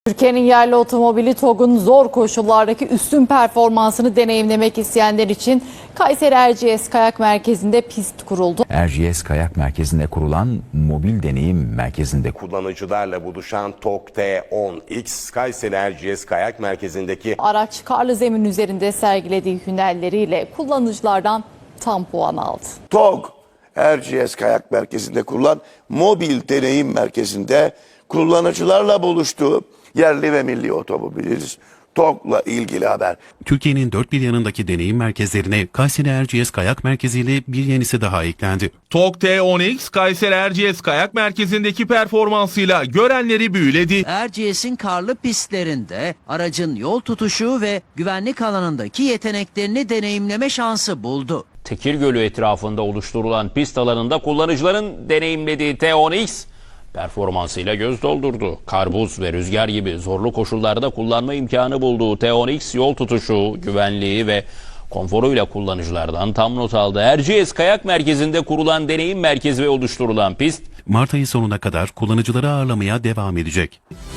Türkiye'nin yerli otomobili TOG'un zor koşullardaki üstün performansını deneyimlemek isteyenler için Kayseri Erciyes Kayak Merkezi'nde pist kuruldu. Erciyes Kayak Merkezi'nde kurulan mobil deneyim merkezinde Kullanıcılarla buluşan TOG T10X, Kayseri Erciyes Kayak Merkezi'ndeki Araç karlı zemin üzerinde sergilediği hünerleriyle kullanıcılardan tam puan aldı. TOG Erciyes Kayak Merkezi'nde kurulan mobil deneyim merkezinde kullanıcılarla buluştuğu yerli ve milli otomobiliz TOG'la ilgili haber. Türkiye'nin dört bir yanındaki deneyim merkezlerine Kayseri Erciyes Kayak Merkezi ile bir yenisi daha eklendi. TOG T10X, Kayseri Erciyes Kayak Merkezi'ndeki performansıyla görenleri büyüledi. Erciyes'in karlı pistlerinde aracın yol tutuşu ve güvenlik alanındaki yeteneklerini deneyimleme şansı buldu. Tekir Gölü etrafında oluşturulan pist alanında kullanıcıların deneyimlediği T10X performansıyla göz doldurdu. Kar, buz ve rüzgar gibi zorlu koşullarda kullanma imkanı bulduğu T10X yol tutuşu, güvenliği ve konforuyla kullanıcılardan tam not aldı. Erciyes Kayak Merkezi'nde kurulan deneyim merkezi ve oluşturulan pist Mart ayı sonuna kadar kullanıcıları ağırlamaya devam edecek.